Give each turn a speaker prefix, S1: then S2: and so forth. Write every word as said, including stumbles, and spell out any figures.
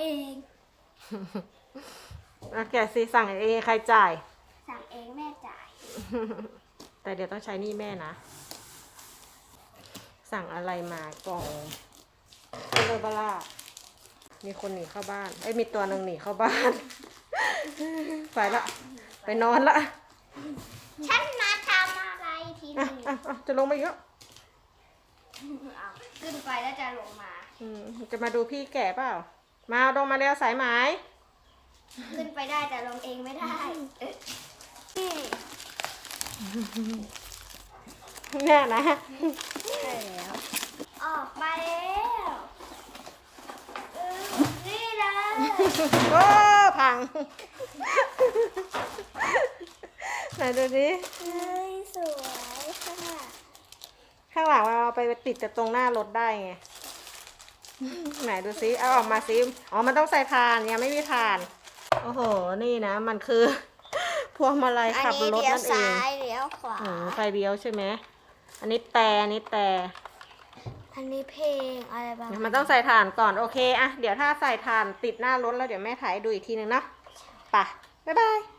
S1: เอง
S2: แล้วแกสิสั่งเองใครจ่าย
S1: สั่งเองแม่จ่าย
S2: แต่เดี๋ยวต้องใช้หนี้แม่นะ สั่งอะไรมากล่องเบลบล่ามีคนหนีเข้าบ้านไอ้ยมีตัวหนึ่งหนีเข้าบ้าน ไปละไปนอนละ
S1: ฉันมาทำอะไรที
S2: อ่ะ
S1: นี้
S2: อ่ะอ่ะจะลงมาอีกแล้ว
S1: ขึ้นไปแล้วจะลงมา
S2: อืมจะมาดูพี่แก่เปล่า มาลงมาเร็วสายไหม
S1: ขึ้นไปได้แต่ลงเองไม่ได้นี่
S2: เนี่ยนะ
S1: ใช่แล้ว ออกมาแล้วเออนี่เลย
S2: โอ้พัง ไหนดูดิ
S1: เฮ้ยสวยค่ะ
S2: ข้างหลังเราไปติดแต่ตรงหน้ารถได้ไง ไหนดูซิเอาออกมาซิอ๋อมันต้องใส่ถ่านยังไม่มีถ่าน โอ้โหนี่นะมันคือ พวงมาลัยขับรถนั่นเอง
S1: เลี้ยวขวา
S2: อืมไฟเลี้ยวใช่ไหมอันนี้แต่อันนี้แต่
S1: อันนี้เพลงอะไรบ้าง
S2: มันต้องใส่ถ่านก่อนโอเคอะเดี๋ยวถ้าใส่ถ่านติดหน้ารถแล้วเดี๋ยวแม่ถ่ายให้ดูอีกทีนึงเนาะไปบ๊ายบาย